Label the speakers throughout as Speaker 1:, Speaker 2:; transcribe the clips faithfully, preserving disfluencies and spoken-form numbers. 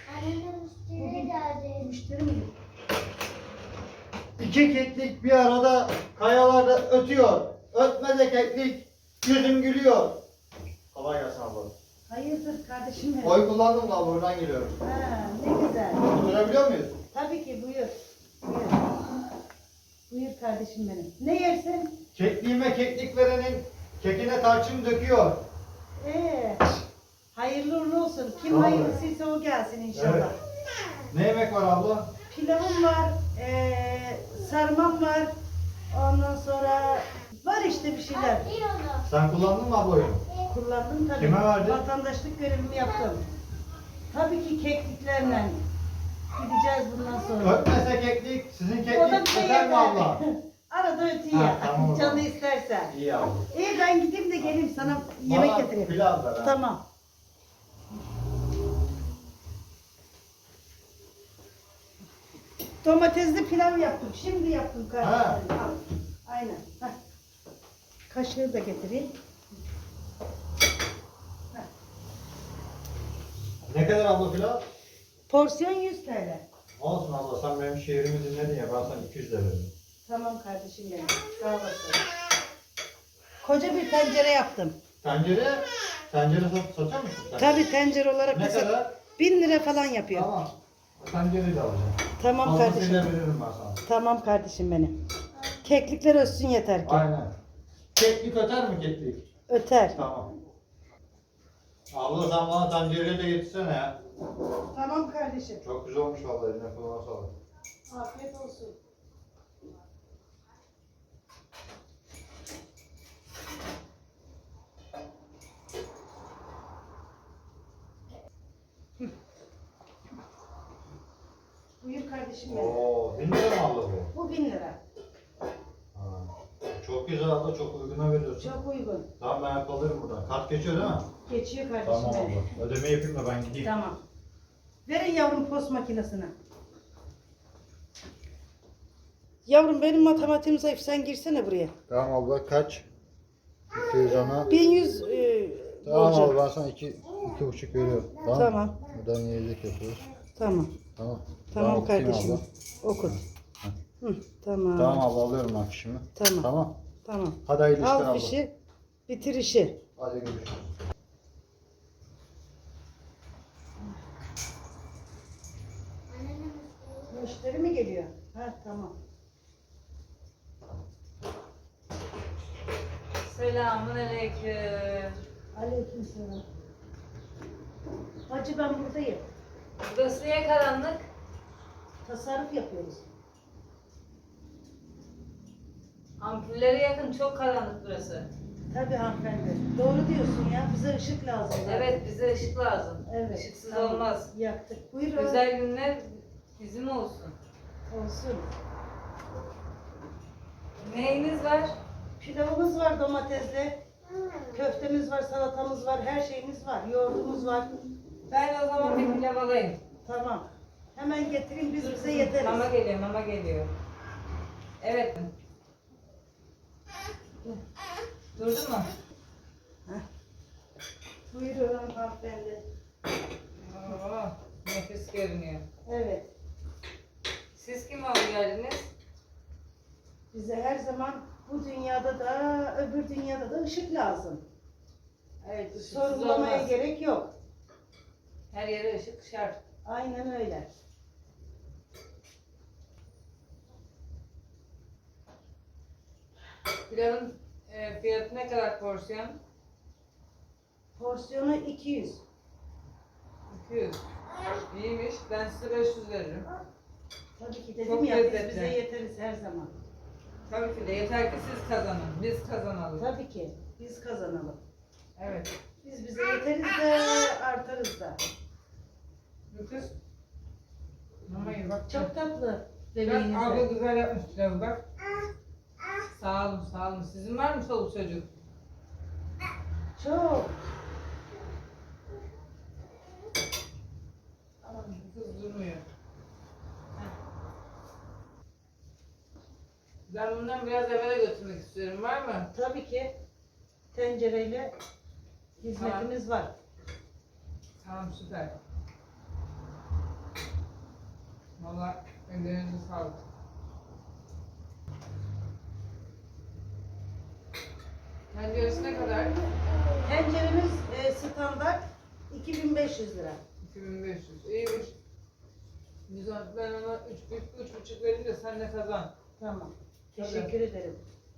Speaker 1: Annemin müşteri geldi.
Speaker 2: Müşteri mi?
Speaker 3: İki keklik bir arada kayalarda ötüyor. Ötmede keklik yüzüm gülüyor. Kolay gelsin abla.
Speaker 2: Hayırdır kardeşim benim?
Speaker 3: Oy kullandım da abla oradan geliyorum.
Speaker 2: Ha, ne güzel.
Speaker 3: Oturabiliyor muyuz?
Speaker 2: Tabii ki buyur. Buyur. Buyur kardeşim benim. Ne yersin?
Speaker 3: Kekliğime keklik verenin kekine tarçın döküyor.
Speaker 2: Ee, hayırlı uğurlu olsun. Kim
Speaker 3: Tamam.
Speaker 2: hayırlısıysa o gelsin inşallah.
Speaker 3: Evet. Ne yemek var abla?
Speaker 2: Pilavım var, ee, sarmam var. Ondan sonra var işte bir şeyler.
Speaker 1: İyi oldu.
Speaker 3: Sen kullandın mı abla oyunu?
Speaker 2: Kullandım tabii.
Speaker 3: Kime verdin?
Speaker 2: Vatandaşlık görevimi yaptım. Tabii ki kekliklerle gideceğiz bundan sonra.
Speaker 3: Ötmese keklik, sizin
Speaker 2: O da
Speaker 3: keklik
Speaker 2: bize
Speaker 3: öter mi
Speaker 2: yeter.
Speaker 3: abla?
Speaker 2: Arada ötüyor.
Speaker 3: Ha, tamam o
Speaker 2: Canı
Speaker 3: zaman.
Speaker 2: istersen.
Speaker 3: İyi abla.
Speaker 2: İyi ben gideyim de geleyim sana yemek
Speaker 3: Bana
Speaker 2: getireyim.
Speaker 3: pilav ver ha.
Speaker 2: Tamam. Domatesli pilav yaptım. Şimdi yaptım kardeşim.
Speaker 3: Ha.
Speaker 2: Al. Aynen. Heh. Kaşığı da getireyim.
Speaker 3: Ne kadar abla pilav?
Speaker 2: Porsiyon yüz T L.
Speaker 3: Olsun abla, sen benim şiirimi dinledin ya, ben sana iki yüz lira veririm.
Speaker 2: Tamam kardeşim benim. Sağ olasın. Koca bir tencere yaptım.
Speaker 3: Tencere, tencere sat, satıyor musun sen?
Speaker 2: Tabii tencere olarak
Speaker 3: Ne
Speaker 2: da sat-
Speaker 3: kadar?
Speaker 2: bin lira falan yapıyor.
Speaker 3: Tamam. Tencereyi de alacağım.
Speaker 2: Tamam kardeşim.
Speaker 3: Fazlasıyla veririm ben sana.
Speaker 2: Tamam kardeşim benim. Keklikler ölsün yeter ki.
Speaker 3: Aynen. Keklik öter mi keklik?
Speaker 2: Öter.
Speaker 3: Tamam. Abla sen bana tencereyi de getirsene ya.
Speaker 2: Tamam kardeşim.
Speaker 3: Çok güzel olmuş vallahi, eline kulağına sağlık.
Speaker 2: Afiyet olsun. Buyur kardeşim benim.
Speaker 3: Oo, bin lira mı abla bu?
Speaker 2: Bu bin lira.
Speaker 3: Ha. Çok güzel abla, çok uyguna veriyorsun.
Speaker 2: Çok uygun.
Speaker 3: Tamam, ben alırım buradan. Kart geçiyor değil mi?
Speaker 2: Geçiyor kardeşim
Speaker 3: Tamam
Speaker 2: benim.
Speaker 3: abla. Ödeme yapayım da ben gideyim.
Speaker 2: Tamam. Verin yavrum post makinesine. Yavrum benim matematiğim zayıf. Sen girsene buraya.
Speaker 3: Tamam abla, kaç? iki yüz ona.
Speaker 2: bin yüz e,
Speaker 3: Tamam
Speaker 2: olacak.
Speaker 3: abla, ben sana iki, iki buçuk veriyorum. Tamam.
Speaker 2: Tamam.
Speaker 3: Buradan yiyecek yapıyoruz.
Speaker 2: Tamam.
Speaker 3: Tamam.
Speaker 2: Tamam
Speaker 3: Ben okutayım
Speaker 2: kardeşim.
Speaker 3: abla.
Speaker 2: Okut. Hı, tamam.
Speaker 3: Tamam abla, alıyorum ben fişimi.
Speaker 2: Tamam.
Speaker 3: Tamam.
Speaker 2: Tamam.
Speaker 3: Hadi hayırlı işler
Speaker 2: Al
Speaker 3: abla.
Speaker 2: fişi. Bitir işi.
Speaker 3: Hadi görüşürüz.
Speaker 1: Annemin müşteri.
Speaker 2: Müşteri mi geliyor? Ha tamam.
Speaker 4: Selamun aleyküm.
Speaker 2: Aleykümselam. Hacı ben buradayım.
Speaker 4: Burası niye karanlık?
Speaker 2: Tasarruf yapıyoruz.
Speaker 4: Ampullere yakın, çok karanlık burası.
Speaker 2: Tabii hanımefendi. Doğru diyorsun ya. Bize ışık lazım. zaten.
Speaker 4: Evet, bize ışık lazım.
Speaker 2: Evet.
Speaker 4: Işıksız
Speaker 2: tamam.
Speaker 4: olmaz.
Speaker 2: Yaktık. Buyurun.
Speaker 4: Güzel günler bizim olsun.
Speaker 2: Olsun.
Speaker 4: Neyiniz var?
Speaker 2: Pilavımız var domatesli. Köftemiz var, salatamız var, her şeyimiz var. Yoğurdumuz var.
Speaker 4: Ben o zaman bir pilav alayım.
Speaker 2: Tamam. Hemen getireyim biz bize yeteriz.
Speaker 4: Mama geliyor, mama geliyor. Evet. Durdun mu?
Speaker 2: Buyurun hanımefendi.
Speaker 4: Oo, nefis görünüyor.
Speaker 2: Evet.
Speaker 4: Siz kim oldu geldiniz?
Speaker 2: Bize her zaman bu dünyada da öbür dünyada da ışık lazım.
Speaker 4: Evet, ışıksız
Speaker 2: Sorgulamaya
Speaker 4: olmaz.
Speaker 2: gerek yok.
Speaker 4: Her yere ışık şart.
Speaker 2: Aynen öyle.
Speaker 4: Pilavın e, fiyatı ne kadar porsiyon?
Speaker 2: Porsiyonu iki yüz.
Speaker 4: iki yüz. İyiymiş. Ben size beş yüz veririm.
Speaker 2: Tabii ki dedim
Speaker 4: Çok
Speaker 2: ya biz
Speaker 4: lezzetli.
Speaker 2: bize yeteriz her zaman.
Speaker 4: Tabii ki de. Yeter ki siz kazanın. Biz kazanalım.
Speaker 2: Tabii ki biz kazanalım.
Speaker 4: Evet.
Speaker 2: Biz bize yeteriz de artarız da.
Speaker 4: Bu kız. Mamayı bak.
Speaker 2: Çok tatlı
Speaker 4: Bak
Speaker 2: bebeğiniz
Speaker 4: abla
Speaker 2: de.
Speaker 4: güzel yapmış pilavı bak. Sağ olun, sağ olun. Sizin var mı çoluk çocuk?
Speaker 2: Çok.
Speaker 4: Tamam. Bu kız durmuyor. Heh. Ben bundan biraz evvel götürmek istiyorum. Var mı?
Speaker 2: Tabii ki tencereyle hizmetimiz var.
Speaker 4: Tamam, süper. Valla ellerinize sağlık. Tenceresi ne kadar?
Speaker 2: Tenceremiz e, standart iki bin beş yüz lira.
Speaker 4: iki bin beş yüz. İyiymiş. Güzel. Ben ona üç buçuk vereyim de sen de kazan.
Speaker 2: Tamam.
Speaker 4: Tabii.
Speaker 2: Teşekkür ederim.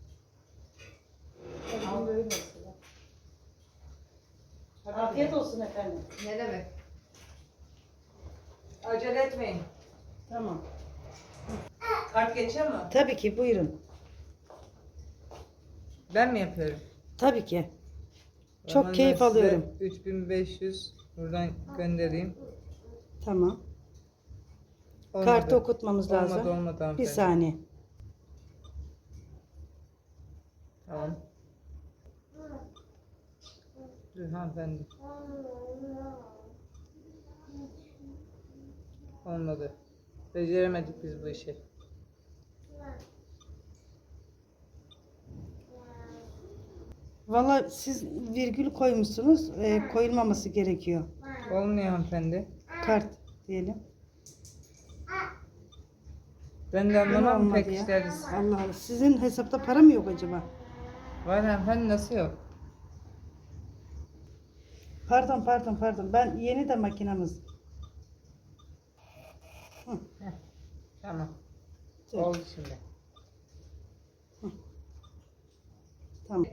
Speaker 4: Al.
Speaker 2: Böyle olsun.
Speaker 4: Hadi
Speaker 2: Afiyet
Speaker 4: bakalım.
Speaker 2: olsun efendim.
Speaker 4: Ne demek? Acele etmeyin.
Speaker 2: Tamam.
Speaker 4: Kart geçiyor mu?
Speaker 2: Tabii ki buyurun.
Speaker 4: Ben mi yapıyorum?
Speaker 2: Tabii ki.
Speaker 4: O
Speaker 2: Çok
Speaker 4: zaman
Speaker 2: keyif
Speaker 4: ben size
Speaker 2: alıyorum.
Speaker 4: üç bin beş yüz buradan göndereyim.
Speaker 2: Tamam.
Speaker 4: Olmadı.
Speaker 2: Kartı okutmamız
Speaker 4: Olmadı,
Speaker 2: lazım.
Speaker 4: olmadı
Speaker 2: Bir
Speaker 4: hanımefendi.
Speaker 2: saniye.
Speaker 4: Tamam. Dur hanımefendi. Olmadı. Beceremedik biz bu işi.
Speaker 2: Valla siz virgül koymuşsunuz. e, koyulmaması gerekiyor.
Speaker 4: Olmuyor hanımefendi.
Speaker 2: Kart diyelim.
Speaker 4: Ben de
Speaker 2: Yine
Speaker 4: anlamam
Speaker 2: olmadı
Speaker 4: pek
Speaker 2: ya.
Speaker 4: işleri.
Speaker 2: Allah Allah. Sizin hesapta para mı yok acaba?
Speaker 4: Var hanımefendi, nasıl yok?
Speaker 2: Pardon pardon pardon. Ben yeni de makinamız.
Speaker 4: Tamam.
Speaker 2: Dur.
Speaker 4: Oldu şimdi.
Speaker 2: Tamam.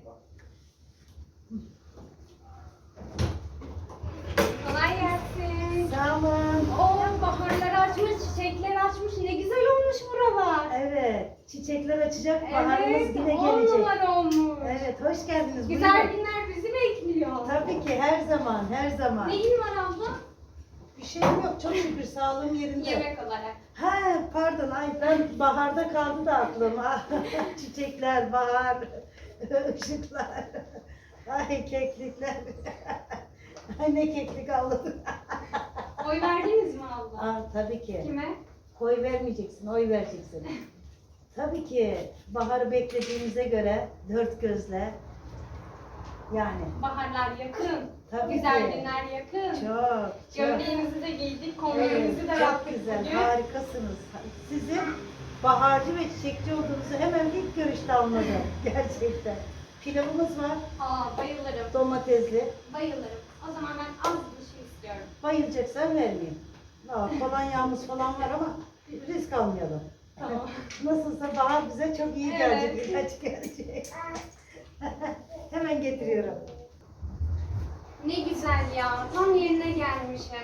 Speaker 1: Kolay gelsin.
Speaker 2: Sağ olun.
Speaker 1: Oo, baharlar açmış, çiçekler açmış. Ne güzel olmuş buralar.
Speaker 2: Evet. Çiçekler açacak. Baharımız
Speaker 1: Evet,
Speaker 2: yine
Speaker 1: on
Speaker 2: gelecek.
Speaker 1: numara olmuş.
Speaker 2: Evet. Hoş geldiniz.
Speaker 1: Güzel
Speaker 2: Buyurun.
Speaker 1: günler bizi bekliyor.
Speaker 2: Tabii ki her zaman. Her zaman.
Speaker 1: Neyin var abla?
Speaker 2: Bir şeyim yok. Çok şükür sağlığım yerinde.
Speaker 1: Yemek olarak.
Speaker 2: Ha pardon. Ay ben baharda kaldı da aklım. Ah, çiçekler, bahar, ışıklar. Ay keklikler. Ay ne keklik avladım.
Speaker 1: Oy verdiniz mi abla?
Speaker 2: Aa, tabii ki.
Speaker 1: Kime?
Speaker 2: Oy vermeyeceksin, oy vereceksin. Tabii ki baharı beklediğimize göre dört gözle yani
Speaker 1: Baharlar yakın.
Speaker 2: Tabii
Speaker 1: Güzel
Speaker 2: ki.
Speaker 1: günler yakın.
Speaker 2: çok çok
Speaker 1: Gömleğimizi de giydik,
Speaker 2: evet,
Speaker 1: kombinemizi de
Speaker 2: çok
Speaker 1: yaptık
Speaker 2: güzel,
Speaker 1: bugün.
Speaker 2: harikasınız. Sizin baharcı ve çiçekçi olduğunuzu hemen ilk görüşte anladım gerçekten. Pilavımız var,
Speaker 1: Aa, bayılırım.
Speaker 2: domatesli.
Speaker 1: Bayılırım. O zaman ben az bir şey istiyorum.
Speaker 2: Bayılacaksan vermeyeyim. Aa, kolonyamız falan var ama risk almayalım.
Speaker 1: Tamam.
Speaker 2: Nasılsa bahar bize çok iyi gelecek,
Speaker 1: Evet.
Speaker 2: ilaç gelecek. Hemen getiriyorum.
Speaker 1: Ne güzel ya. Tam yerine gelmişim.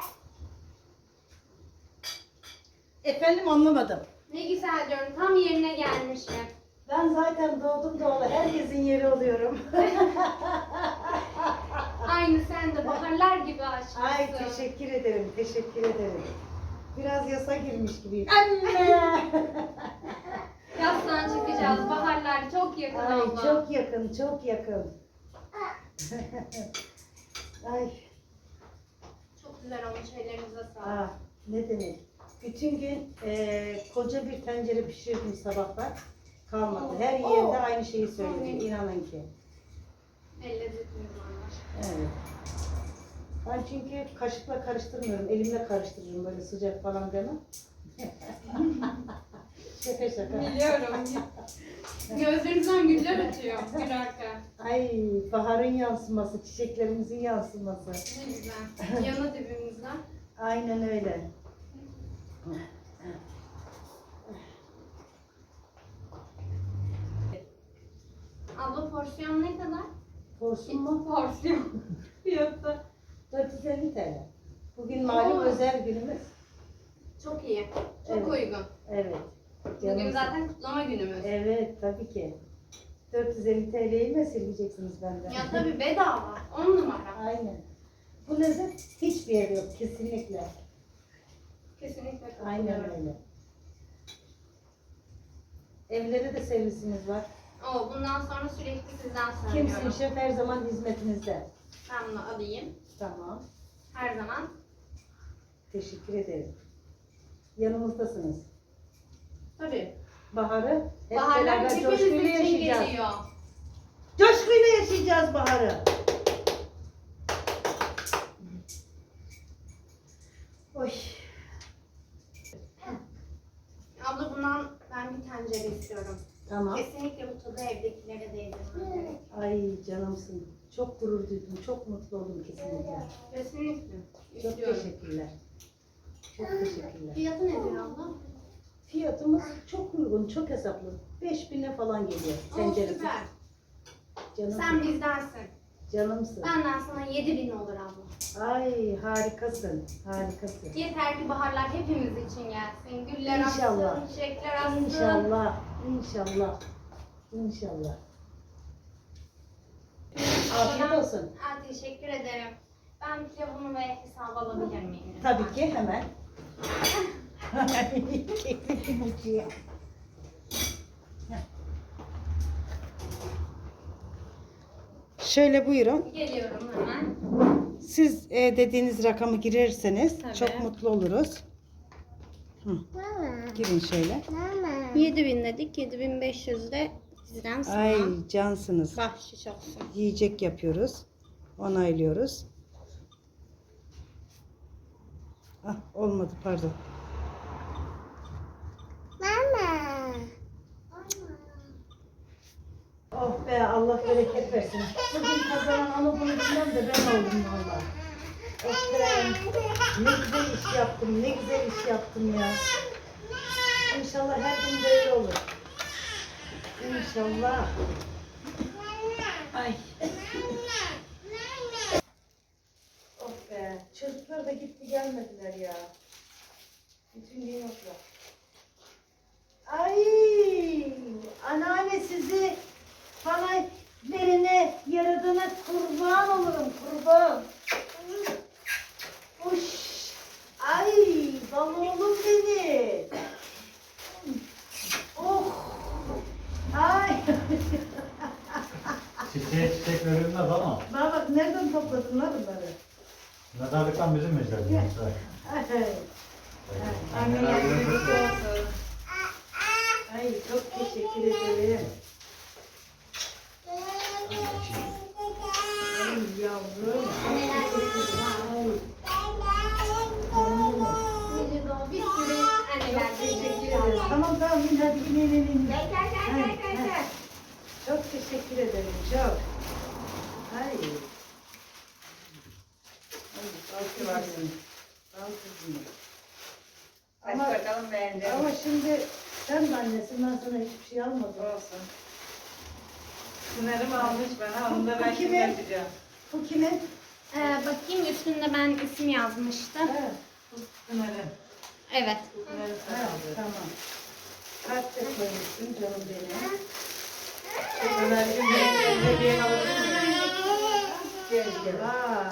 Speaker 2: Efendim anlamadım.
Speaker 1: Ne güzel diyorum. Tam yerine gelmişim.
Speaker 2: Ben zaten doğdum doğalı herkesin yeri oluyorum.
Speaker 1: Aynı sen de baharlar gibi açmışsın.
Speaker 2: Ay teşekkür ederim, teşekkür ederim. Biraz yasa girmiş gibiyim. Anne!
Speaker 1: Yazdan çıkacağız. Baharlar çok yakın
Speaker 2: Ay
Speaker 1: abla.
Speaker 2: çok yakın, çok yakın. Ay,
Speaker 1: Çok güzel olmuş. Ellerinize sağlık.
Speaker 2: ah, ne demek. Bütün gün eee, koca bir tencere pişirdim sabahlar. Kalmadı. Her yerde aynı şeyi söylüyor. İnanın ki.
Speaker 1: El lezzetiniz var.
Speaker 2: Evet. Ben çünkü kaşıkla karıştırmıyorum. Elimle karıştırırım böyle sıcak falan demem. Şaka şaka.
Speaker 1: Biliyorum. Gözlerinizden güller ötüyor gülerken.
Speaker 2: Ay baharın yansıması, çiçeklerimizin yansıması.
Speaker 1: Ne güzel. Yanı dibimizden.
Speaker 2: Aynen öyle.
Speaker 1: Abla porsiyon ne kadar?
Speaker 2: Porsun mu?
Speaker 1: Porsiyon. Fiyatı.
Speaker 2: dört yüz elli T L. Bugün malum
Speaker 1: Oo.
Speaker 2: özel günümüz.
Speaker 1: Çok iyi. Çok
Speaker 2: Evet.
Speaker 1: uygun.
Speaker 2: Evet.
Speaker 1: Bugün
Speaker 2: Canımsın.
Speaker 1: zaten kutlama günümüz.
Speaker 2: Evet tabii ki. dört yüz elli T L'yi mi sileceksiniz benden?
Speaker 1: Ya tabii bedava. On numara.
Speaker 2: Aynen. Bu lezzet hiçbir yerde yok kesinlikle.
Speaker 1: Kesinlikle
Speaker 2: Aynen
Speaker 1: katılıyorum.
Speaker 2: öyle. Evlere de servisimiz var.
Speaker 1: Oo, bundan sonra sürekli sizden
Speaker 2: Kimsin
Speaker 1: söylüyorum.
Speaker 2: şef her zaman hizmetinizde.
Speaker 1: Ben bunu alayım.
Speaker 2: Tamam.
Speaker 1: Her zaman.
Speaker 2: Teşekkür ederim. Yanımızdasınız.
Speaker 1: Tabii.
Speaker 2: Baharı hep
Speaker 1: Baharlar
Speaker 2: beraber
Speaker 1: hepimiz
Speaker 2: coşkuyla
Speaker 1: için
Speaker 2: yaşayacağız.
Speaker 1: geliyor.
Speaker 2: Coşkuyla yaşayacağız baharı. Oy.
Speaker 1: istiyorum.
Speaker 2: Tamam.
Speaker 1: Kesinlikle bu tadı evdekilere değdirmem gerek.
Speaker 2: Ay canımsın. Çok gurur duydum. Çok mutlu oldum kesinlikle.
Speaker 1: Kesinlikle.
Speaker 2: Çok
Speaker 1: İstiyorum.
Speaker 2: teşekkürler. Çok teşekkürler.
Speaker 1: Fiyatı nedir abla?
Speaker 2: Fiyatımız çok uygun, çok hesaplı. beş bine falan geliyor.
Speaker 1: Oo,
Speaker 2: Tenceresi.
Speaker 1: süper.
Speaker 2: Canımsın.
Speaker 1: Sen bizdensin.
Speaker 2: Canımsın.
Speaker 1: Benden sana yedi bin olur abla.
Speaker 2: Ay harikasın. Harikasın.
Speaker 1: Yeter ki baharlar hepimiz için gelsin. Güller
Speaker 2: İnşallah.
Speaker 1: açsın, çiçekler açsın.
Speaker 2: İnşallah. İnşallah. İnşallah. Afiyet
Speaker 1: Ben-
Speaker 2: olsun.
Speaker 1: Ha, teşekkür ederim. Ben pilavımı ve hesabı alabilir miyim?
Speaker 2: Tabii ki hemen. Keklikli buçuya. Şöyle buyurun.
Speaker 1: Geliyorum hemen.
Speaker 2: Siz e, dediğiniz rakamı girerseniz
Speaker 1: Tabii.
Speaker 2: çok mutlu oluruz. Hı. Girin şöyle.
Speaker 1: yedi bin dedik. yedi bin beş yüz de sizden sana.
Speaker 2: Ay cansınız.
Speaker 1: Bahşiş olsun.
Speaker 2: Yiyecek yapıyoruz. Onaylıyoruz. Ah olmadı pardon. Oh be Allah bereket versin. Bugün kazanan onu bunu bilmem de ben oldum valla. Oh be. Ne güzel iş yaptım. Ne güzel iş yaptım ya. İnşallah her gün böyle olur. İnşallah. Ay. Oh be. Çocuklar da gitti gelmediler ya. Bütün gün yoklar. Ay. Anneanne sizi bana verene yaradana kurban olurum kurban. Uş. Ay bal oğlum benim. Oh. Ay.
Speaker 3: Çiçeğe çiçek verilmez ama
Speaker 2: Bana bak nereden topladın lan bunları?
Speaker 3: mezarlıktan bizim mezarlığımız.
Speaker 2: Ay.
Speaker 4: Anne yardımcı olsun.
Speaker 2: Ay çok teşekkür ederim. Ay yavrum. Ay.
Speaker 1: Nice doğum. Bir sürü anneler
Speaker 2: Teşekkür ederim. Tamam tamam in hadi in in in. in.
Speaker 1: Gel gel gel gel gel. gel.
Speaker 2: Çok teşekkür ederim çok. Ay. Ay bal kızım. Bal kızım.
Speaker 4: Aç
Speaker 2: Ama,
Speaker 4: bakalım beğendin.
Speaker 2: ama şimdi sen de annesin ben sana hiçbir şey almadım.
Speaker 4: Olsun. Pınar'ım almış bana, onu da ben
Speaker 2: Bu
Speaker 4: şimdi
Speaker 2: kimin?
Speaker 4: yapacağım.
Speaker 2: Bu kimin?
Speaker 1: Ee, bakayım üstünde ben isim yazmıştım.
Speaker 2: Ha,
Speaker 4: Pınar'ım.
Speaker 1: Evet.
Speaker 4: Pınar'ım sana
Speaker 2: ha,
Speaker 4: aldı.
Speaker 2: tamam. Kalp de koymuşsun canım benim.
Speaker 4: Pınar'cığım benim hediye alabilir miyim?
Speaker 2: Gel gel. Aa,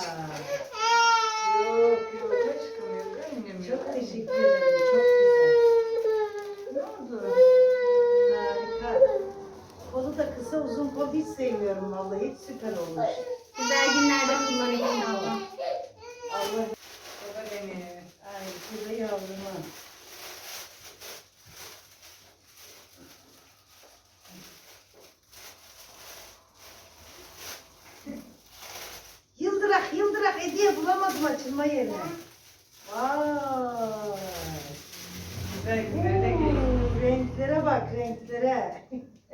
Speaker 4: Yok yok, hiç çıkamıyor. Benim yok.
Speaker 2: çok teşekkür ederim. Çok güzel. Ne oldu? Harika. Kolu da kısa uzun kol hiç sevmiyorum vallahi. Hiç süper olmuş.
Speaker 1: Güzel günlerde kullan inşallah.
Speaker 2: Allah.
Speaker 4: O da benim.
Speaker 2: Ay kızı yavruma. Yıldırak yıldırak hediye bulamadım açılma yerine. Vay.
Speaker 4: Güzel günler de geliyor.
Speaker 2: Oo, renklere bak renklere.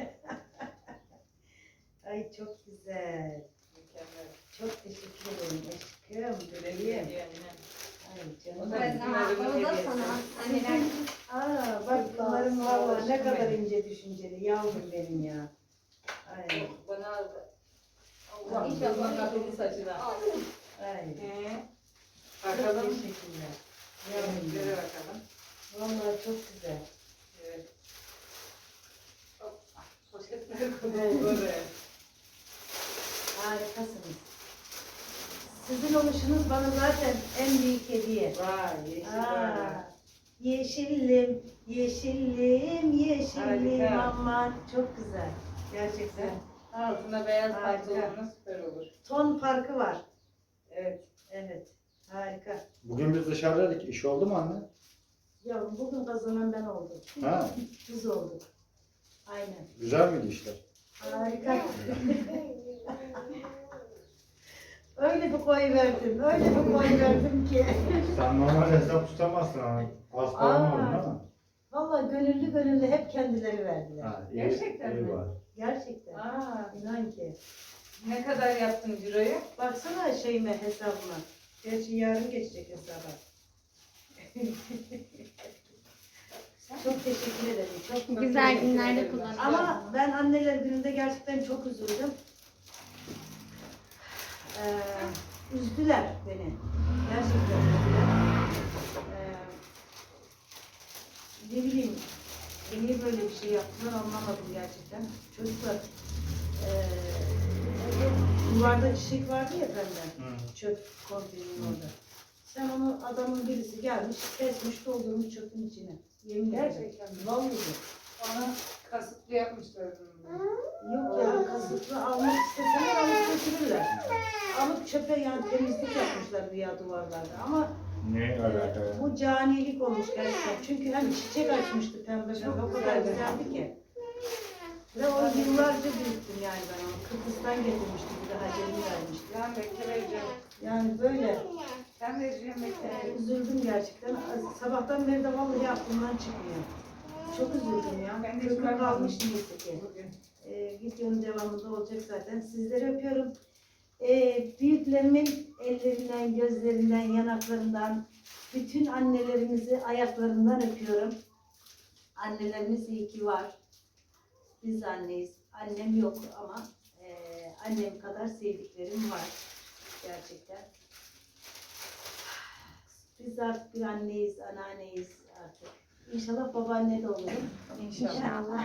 Speaker 2: Ay çok güzel.
Speaker 4: Mükemmel.
Speaker 2: Çok teşekkür ederim aşkım.
Speaker 4: Güle güle
Speaker 2: Bebeğim.
Speaker 4: diyor anne.
Speaker 2: Ay
Speaker 4: O
Speaker 2: canım.
Speaker 4: da
Speaker 1: Ben
Speaker 4: bizim
Speaker 1: sana,
Speaker 4: evimizin
Speaker 1: o da
Speaker 4: hediyesi.
Speaker 1: sana. Anneler.
Speaker 2: Aa bak bunların valla ne kadar ince düşünceli yavrum benim ya. Ay
Speaker 4: Bana aldı. Allah inşallah akıllı saçına.
Speaker 2: ay.
Speaker 4: Ee,
Speaker 2: Çok
Speaker 4: bakalım.
Speaker 2: teşekkürler. Yavrum
Speaker 4: Renklere
Speaker 2: benim.
Speaker 4: bakalım.
Speaker 2: Vallahi çok güzel.
Speaker 4: Evet. Hop. Poşetler koyalım. Evet.
Speaker 2: Harikasınız. Sizin oluşunuz bana zaten en büyük hediye.
Speaker 4: Vay yeşil böyle.
Speaker 2: Aa, yeşillim, yeşillim, yeşillim
Speaker 4: Harika.
Speaker 2: aman çok güzel. Gerçekten.
Speaker 4: Altına beyaz
Speaker 2: Harika.
Speaker 4: pantolonla süper olur.
Speaker 2: Ton farkı var.
Speaker 4: Evet.
Speaker 2: Evet. Harika.
Speaker 3: Bugün biz dışarıdaydık. İş oldu mu anne?
Speaker 2: Yavrum bugün kazanan ben oldum.
Speaker 3: Ha?
Speaker 2: Biz olduk. Aynen.
Speaker 3: Güzel miydi işler?
Speaker 2: Harika. Öyle bir koy verdim, öyle bir koy verdim ki.
Speaker 3: Sen normal hesap tutamazsın ama. Az para mı
Speaker 2: Aa.
Speaker 3: aldın ama?
Speaker 2: Vallahi gönüllü gönüllü hep kendileri verdiler.
Speaker 3: Ha, iyi,
Speaker 4: Gerçekten
Speaker 3: iyi
Speaker 4: mi?
Speaker 3: var.
Speaker 2: Gerçekten.
Speaker 4: Aa,
Speaker 2: İnan ki.
Speaker 4: ne kadar yaptın ciroyu?
Speaker 2: Baksana şeyime, hesabıma. Gerçi yarın geçecek hesaba. Çok teşekkür ederim. Çok çok
Speaker 1: Güzel
Speaker 2: teşekkür
Speaker 1: günlerde
Speaker 2: ederim.
Speaker 1: kullanacağız.
Speaker 2: Ama ben anneler gününde gerçekten çok üzüldüm. Ee, üzdüler beni. Gerçekten üzdüler. Ee, ne bileyim, niye böyle bir şey yaptılar anlamadım gerçekten. Çocuklar, ee, duvarda çiçek vardı ya bende.
Speaker 3: Hı.
Speaker 2: Çöp konteynerin orada. Sen onu adamın birisi gelmiş, kesmiş, doldurmuş çöpün içine. Yemin ederim.
Speaker 4: Gerçekten mi?
Speaker 2: Vallahi.
Speaker 4: Ona kasıtlı yapmışlar bunu.
Speaker 2: Yok ya, kasıtlı almak isteseler alıp götürürler. Alıp çöpe yani temizlik yapmışlar güya duvarlarda ama
Speaker 3: Ne alaka
Speaker 2: e,
Speaker 3: ya?
Speaker 2: bu canilik olmuş gerçekten. Çünkü hani çiçek açmıştı pembe
Speaker 4: Çok
Speaker 2: pembe, o kadar
Speaker 4: güzeldi.
Speaker 2: güzeldi ki. Ve o yıllarca büyüttüm yani ben onu. Kıbrıs'tan getirmişti bir daha gelin vermişti.
Speaker 4: Ben bekle vereceğim.
Speaker 2: Yani böyle
Speaker 4: Sen vereceğim bekle.
Speaker 2: e, üzüldüm gerçekten. Sabahtan beri de vallahi aklımdan çıkmıyor. Çok üzüldüm ya.
Speaker 4: Ben de hiç
Speaker 2: Kökü
Speaker 4: bakmadım.
Speaker 2: kalmış neyse ki.
Speaker 4: Bugün.
Speaker 2: Ee, videonun devamında olacak zaten. Sizleri öpüyorum. Ee, büyüklerimin ellerinden, gözlerinden, yanaklarından, bütün annelerimizi ayaklarından öpüyorum. Annelerimiz iyi ki var. Biz anneyiz. Annem yok ama e, annem kadar sevdiklerim var. Gerçekten. Biz artık bir anneyiz, anneanneyiz artık. İnşallah babaanne de olurum.
Speaker 4: İnşallah.
Speaker 1: İnşallah.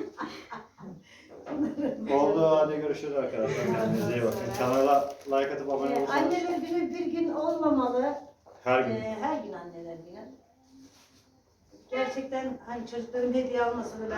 Speaker 3: Oldu, hadi görüşürüz arkadaşlar. Kendinize iyi bakın. Kanala like atıp abone
Speaker 2: Ee,
Speaker 3: olursanız
Speaker 2: anneler günü bir gün olmamalı.
Speaker 3: her gün.
Speaker 2: Ee, her gün anneler günü. Gerçekten hani çocuklarım hediye almasa da ben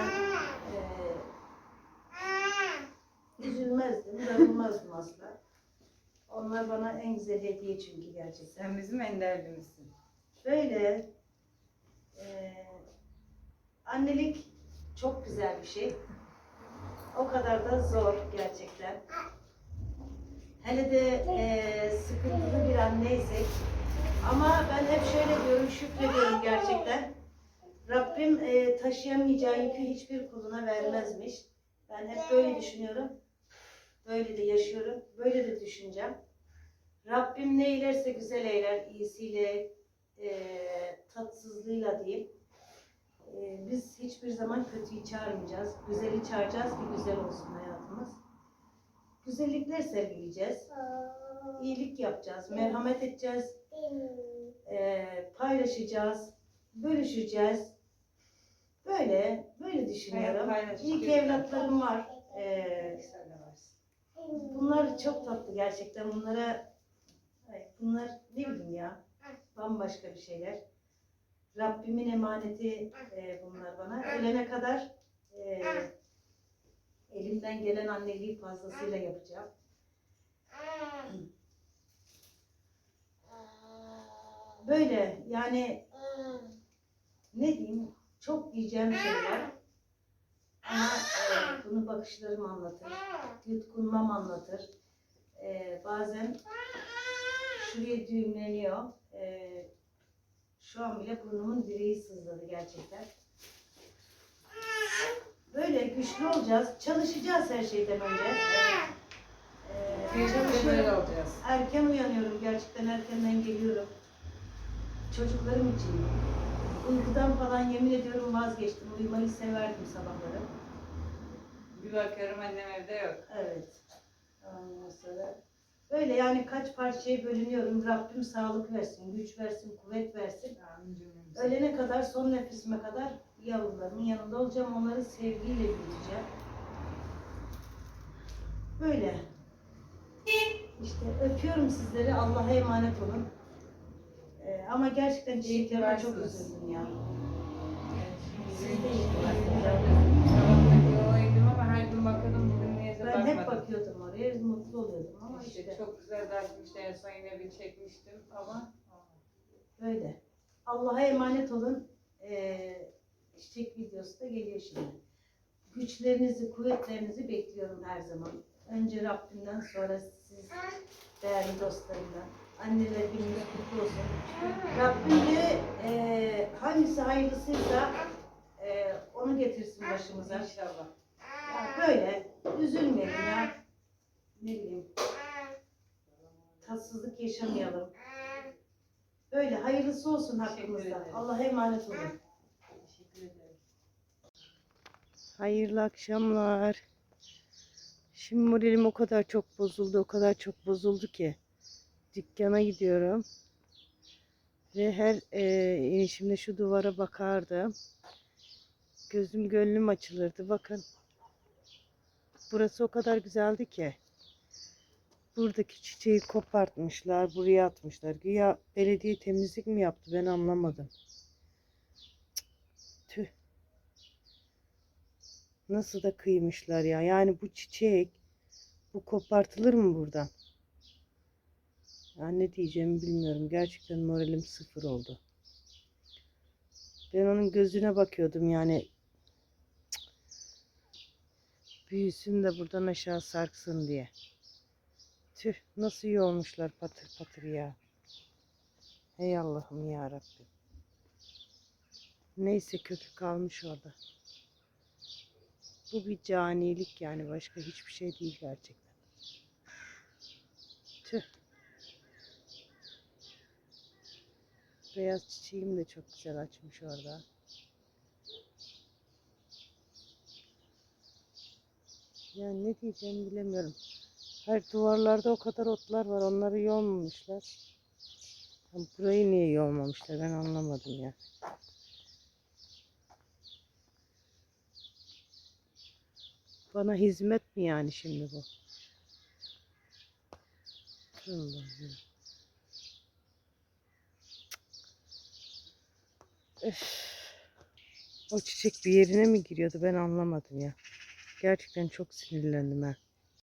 Speaker 2: e, üzülmezdim, darılmazdım asla. Onlar bana en güzel hediye çünkü gerçekten.
Speaker 4: Sen bizim enderlimizsin.
Speaker 2: Böyle e, annelik çok güzel bir şey. O kadar da zor gerçekten. Hele de e, sıkıntılı bir anneysek. Ama ben hep şöyle diyorum, şükrediyorum gerçekten. Rabbim e, taşıyamayacağı yükü hiçbir kuluna vermezmiş. Ben hep böyle düşünüyorum. Böyle de yaşıyorum. Böyle de düşüneceğim. Rabbim ne eylerse güzel eyler. İyisiyle, e, tatsızlığıyla diyeyim. E, biz hiçbir zaman kötüyü çağırmayacağız. Güzeli çağıracağız ki güzel olsun hayatımız. Güzellikler sergileyeceğiz. İyilik yapacağız. Merhamet edeceğiz. E, paylaşacağız. Bölüşeceğiz. Böyle, böyle düşünüyorum.
Speaker 4: Hayat paylaşıcı
Speaker 2: İyi ki
Speaker 4: bir-
Speaker 2: evlatlarım var. E,
Speaker 4: Sen de varsın.
Speaker 2: bunlar çok tatlı gerçekten. Bunlara, ay, bunlar ne bileyim ya, bambaşka bir şeyler. Rabbimin emaneti e, bunlar bana. Ölene kadar e, elimden gelen anneliği fazlasıyla yapacağım. Böyle yani ne diyeyim, çok diyeceğim şey var. Ama e, bunu bakışlarım anlatır, yutkunmam anlatır. E, bazen şuraya düğümleniyor. E, şu an bile burnumun direği sızladı gerçekten. Böyle güçlü olacağız, çalışacağız her şeyden önce. E,
Speaker 4: Biz de böyle
Speaker 2: çalışıyorum.
Speaker 4: olacağız.
Speaker 2: Erken uyanıyorum, gerçekten erkenden geliyorum. Çocuklarım için. Uykudan falan yemin ediyorum vazgeçtim. Uyumayı severdim sabahları.
Speaker 4: Bir bakıyorum annem evde yok.
Speaker 2: Evet. Ondan sonra böyle yani kaç parçaya bölünüyorum. Rabbim sağlık versin, güç versin, kuvvet versin.
Speaker 4: Amin cümlemize.
Speaker 2: Ölene kadar, son nefesime kadar yavrularımın yanında olacağım. Onları sevgiyle büyüteceğim. Böyle. İşte öpüyorum sizleri. Allah'a emanet olun. Ee, ama gerçekten çiçeklerime çok
Speaker 4: varsınız.
Speaker 2: üzüldüm ya.
Speaker 4: Siz
Speaker 2: Siz
Speaker 4: de
Speaker 2: de
Speaker 4: iyi
Speaker 2: iyi
Speaker 4: ki
Speaker 2: varsınız.
Speaker 4: varsınız. Sabahleyin yola indim ama her gün bakıyordum bugün niyeyse
Speaker 2: Ben
Speaker 4: bakmadım.
Speaker 2: hep bakıyordum oraya, mutlu oluyordum ama
Speaker 4: İşte
Speaker 2: işte
Speaker 4: çok güzel dağıtmışlar. En son yine bir çekmiştim ama
Speaker 2: böyle. Allah'a emanet olun. Ee, çiçek videosu da geliyor şimdi. Güçlerinizi, kuvvetlerinizi bekliyorum her zaman. Önce Rabbimden, sonra siz değerli dostlarımdan. Anneler gününüz kutlu olsun. Rabbim de e, hangisi hayırlısıysa onu getirsin başımıza.
Speaker 4: İnşallah.
Speaker 2: Ya böyle üzülmeyelim ya. Ne bileyim. Tatsızlık yaşamayalım. Böyle hayırlısı olsun
Speaker 4: Teşekkür
Speaker 2: hakkımızda.
Speaker 4: ederim.
Speaker 2: Allah'a emanet olun.
Speaker 4: Teşekkür ederim.
Speaker 2: Hayırlı akşamlar. Şimdi moralim o kadar çok bozuldu, o kadar çok bozuldu ki. Dükkana gidiyorum. Ve her e, inişimde şu duvara bakardım. Gözüm gönlüm açılırdı. Bakın. Burası o kadar güzeldi ki. Buradaki çiçeği kopartmışlar, buraya atmışlar. Güya belediye temizlik mi yaptı, ben anlamadım. Cık, tüh. Nasıl da kıymışlar ya. Yani bu çiçek, bu kopartılır mı buradan? Ya ne diyeceğimi bilmiyorum. Gerçekten moralim sıfır oldu. Ben onun gözüne bakıyordum yani. Cık. Büyüsün de buradan aşağı sarksın diye. Tüh, nasıl iyi olmuşlar patır patır ya. Hey Allah'ım ya Rabbim. Neyse kökü kalmış orada. Bu bir canilik yani, başka hiçbir şey değil gerçekten. Tüh. Beyaz çiçeğim de çok güzel açmış orada. Yani ne diyeceğimi bilemiyorum. Her duvarlarda o kadar otlar var. Onları yolmamışlar. Burayı niye yolmamışlar ben anlamadım ya. Bana hizmet mi yani şimdi bu? Allah'ım. Öf. O çiçek bir yerine mi giriyordu ben anlamadım ya. Gerçekten çok sinirlendim ha.